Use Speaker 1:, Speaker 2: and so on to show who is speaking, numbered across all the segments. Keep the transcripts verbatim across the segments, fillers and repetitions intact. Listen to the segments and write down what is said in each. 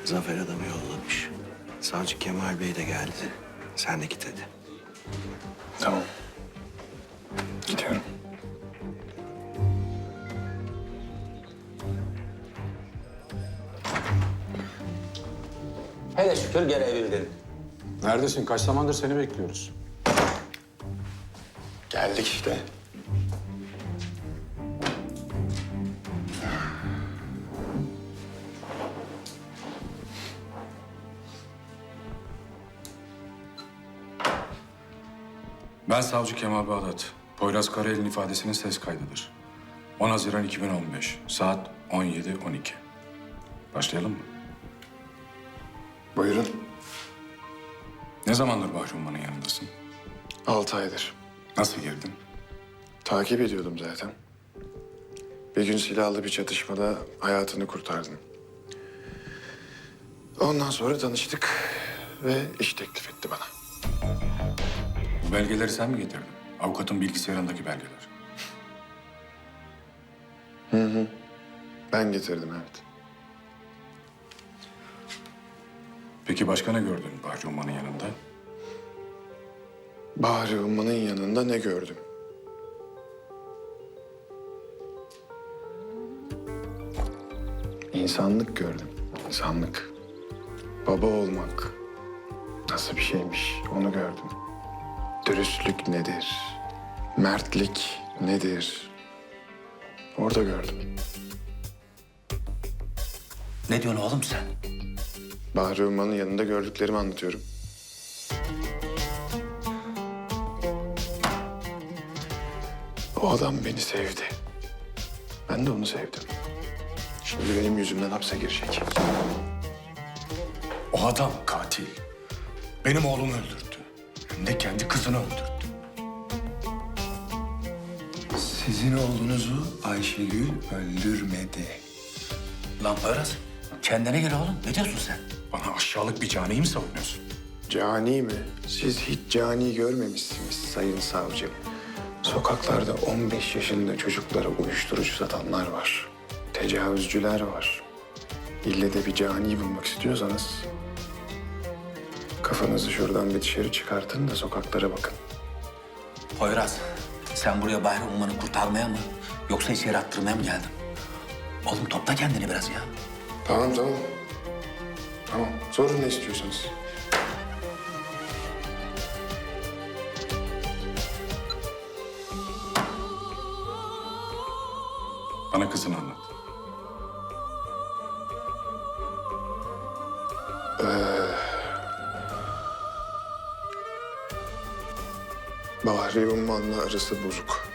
Speaker 1: Zafer adamı yollamış. Savcı Kemal Bey de geldi. Sen de git hadi.
Speaker 2: Tamam. Gidiyorum.
Speaker 3: Hele şükür gelebildin.
Speaker 4: Neredesin? Kaç zamandır seni bekliyoruz.
Speaker 2: Geldik işte.
Speaker 4: Ben savcı Kemal Bağdat. Poyraz Karayel'in ifadesinin ses kaydıdır. on Haziran iki bin on beş, saat on yedi on iki. Başlayalım mı?
Speaker 2: Buyurun.
Speaker 4: Ne zamandır Bahri Umman'ın yanındasın?
Speaker 2: Altı aydır.
Speaker 4: Nasıl girdin?
Speaker 2: Takip ediyordum zaten. Bir gün silahlı bir çatışmada hayatını kurtardım. Ondan sonra tanıştık ve iş teklif etti bana.
Speaker 4: Bu belgeleri sen mi getirdin? Avukatın bilgisayarındaki belgeler.
Speaker 2: Ben getirdim, evet.
Speaker 4: Peki başka ne gördün Bahri Umman'ın yanında?
Speaker 2: Bahri Umman'ın yanında ne gördüm? İnsanlık gördüm, insanlık. Baba olmak nasıl bir şeymiş onu gördüm. Dürüstlük nedir? Mertlik nedir? Orada gördüm.
Speaker 3: Ne diyorsun oğlum sen?
Speaker 2: Bahri Umman'ın yanında gördüklerimi anlatıyorum. O adam beni sevdi. Ben de onu sevdim. Şimdi benim yüzümden hapse girecek.
Speaker 4: O adam katil. Benim oğlumu öldürdü. Hem de kendi kızını öldürdü.
Speaker 1: Sizin oğlunuzu Ayşegül öldürmedi.
Speaker 3: Lan Poyraz, kendine gel oğlum. Ne diyorsun sen?
Speaker 4: Bana aşağılık bir caniyi mi savunuyorsun?
Speaker 2: Cani mi? Siz hiç cani görmemişsiniz sayın savcım. Sokaklarda on beş yaşında çocuklara uyuşturucu satanlar var. Tecavüzcüler var. İlle de bir cani bulmak istiyorsanız... kafanızı şuradan bir dışarı çıkartın da sokaklara bakın.
Speaker 3: Poyraz, sen buraya Bahri Umman'ı kurtarmaya mı yoksa içeri attırmaya mı geldin? Oğlum topla kendini biraz ya.
Speaker 2: Tamam, tamam. Tamam, sorun ne istiyorsanız.
Speaker 4: Bana kızını anlat.
Speaker 2: Bahri Umman'la arası bozuk.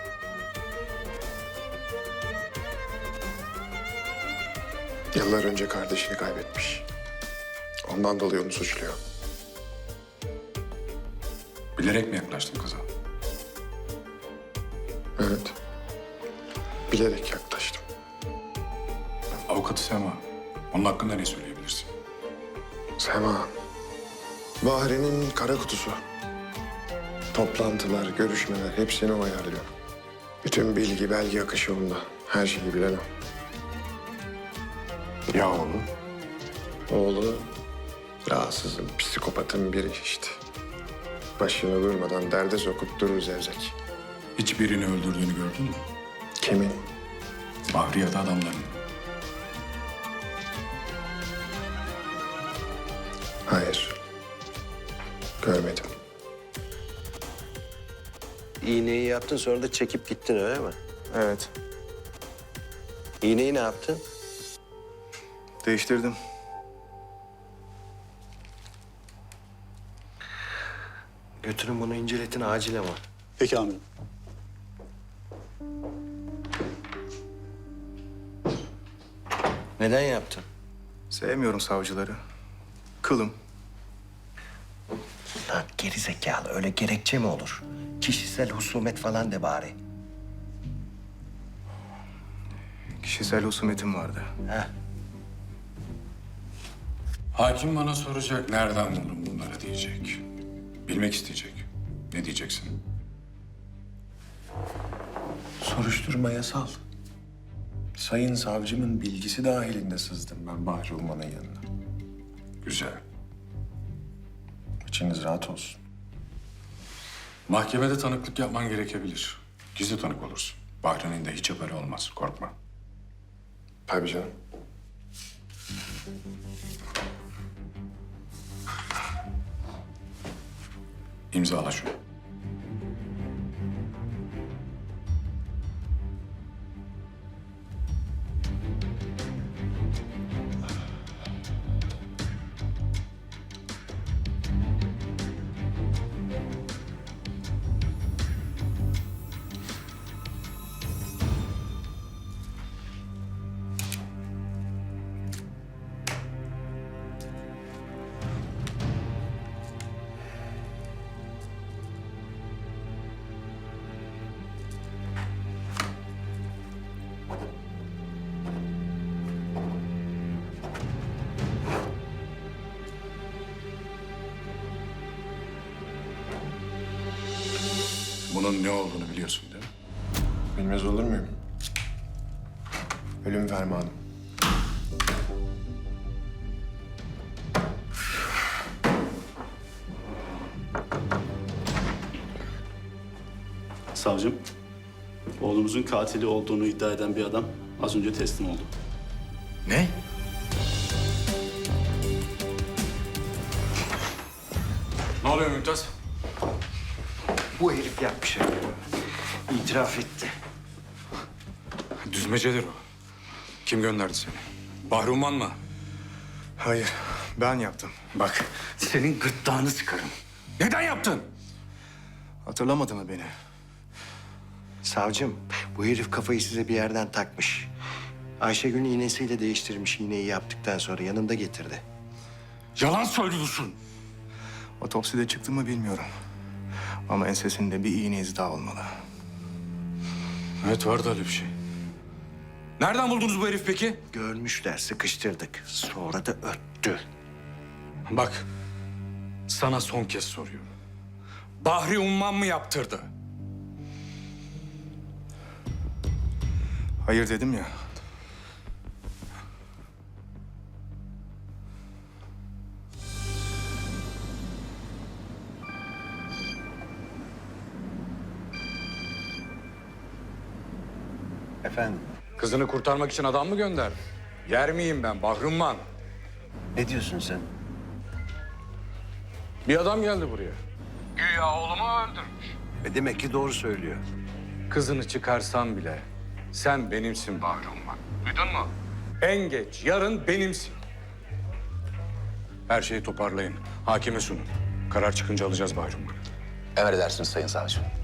Speaker 2: Yıllar önce kardeşini kaybetmiş. Ondan dolayı onu suçluyor.
Speaker 4: Bilerek mi yaklaştın kıza?
Speaker 2: Evet. Bilerek yaklaştım.
Speaker 4: Avukatı Sema. Onun hakkında ne söyleyebilirsin?
Speaker 2: Sema, Bahri'nin kara kutusu. Toplantılar, görüşmeler hepsini o ayarlıyor. Bütün bilgi, belge akışı onda. Her şeyi bilen o.
Speaker 4: Ya oğlu?
Speaker 2: Oğlu rahatsızın, psikopatın biri işte. Başını durmadan derde sokup durur zevzek.
Speaker 4: Hiçbirini öldürdüğünü gördün mü?
Speaker 2: Kimin?
Speaker 4: Bahri ya da adamların.
Speaker 2: Hayır. Görmedim.
Speaker 1: İğneyi yaptın sonra da çekip gittin öyle mi?
Speaker 5: Evet,
Speaker 1: İğneyi ne yaptın?
Speaker 5: değiştirdim.
Speaker 1: Götürün bunu inceletin acil ama.
Speaker 5: Peki amirim.
Speaker 1: Neden yaptın?
Speaker 5: Sevmiyorum savcıları. Kılım.
Speaker 1: Lan geri zekalı öyle gerekçe mi olur? Kişisel husumet falan de bari.
Speaker 5: Kişisel husumetim vardı.
Speaker 1: Heh.
Speaker 4: Hakim bana soracak, nereden buldun bunları diyecek. Bilmek isteyecek. Ne diyeceksin?
Speaker 2: Soruşturma yasal. Sayın savcımın bilgisi dahilinde sızdım ben Bahri Umman'ın yanına.
Speaker 4: Güzel.
Speaker 1: İçiniz rahat olsun.
Speaker 4: Mahkemede tanıklık yapman gerekebilir. Gizli tanık olursun. Bahri'nin de hiç haberi olmaz. Korkma.
Speaker 1: Tabii canım.
Speaker 4: İmzala şunu. Bunun ne olduğunu biliyorsun değil mi?
Speaker 1: Bilmez olur muyum? Ölüm fermanı.
Speaker 6: Savcım, oğlumuzun katili olduğunu iddia eden bir adam az önce teslim oldu.
Speaker 4: Ne? Ne oluyor Mümtaz?
Speaker 1: Bu herif yapmış. İtiraf etti.
Speaker 4: Düzmecedir o. Kim gönderdi seni? Bahri Umman mı?
Speaker 5: Hayır, ben yaptım.
Speaker 3: Bak, senin gırtlağını sıkarım.
Speaker 4: Neden yaptın?
Speaker 5: Hatırlamadı mı beni?
Speaker 1: Savcım, bu herif kafayı size bir yerden takmış. Ayşegül'ün iğnesiyle değiştirmiş iğneyi yaptıktan sonra yanında getirdi.
Speaker 4: Yalan söylüyorsun.
Speaker 5: Otopside çıktı mı bilmiyorum. Ama ensesinde bir iğne izi daha olmalı.
Speaker 4: Evet, vardı öyle bir şey. Nereden buldunuz bu herif peki?
Speaker 1: Görmüşler, sıkıştırdık. Sonra da öttü.
Speaker 4: Bak, sana son kez soruyorum. Bahri Umman mı yaptırdı?
Speaker 5: Hayır dedim ya.
Speaker 1: Efendim,
Speaker 4: Kızını kurtarmak için adam mı gönderdi? Yer miyim ben Bahri Umman?
Speaker 1: ne diyorsun sen?
Speaker 4: Bir adam geldi buraya. Güya oğlumu öldürmüş.
Speaker 1: E demek ki doğru söylüyor.
Speaker 4: Kızını çıkarsam bile sen benimsin Bahri Umman. Duydun mu? En geç yarın benimsin. Her şeyi toparlayın. Hakime sunun. Karar çıkınca alacağız Bahri Umman'ı.
Speaker 3: Emredersiniz Sayın Savcım.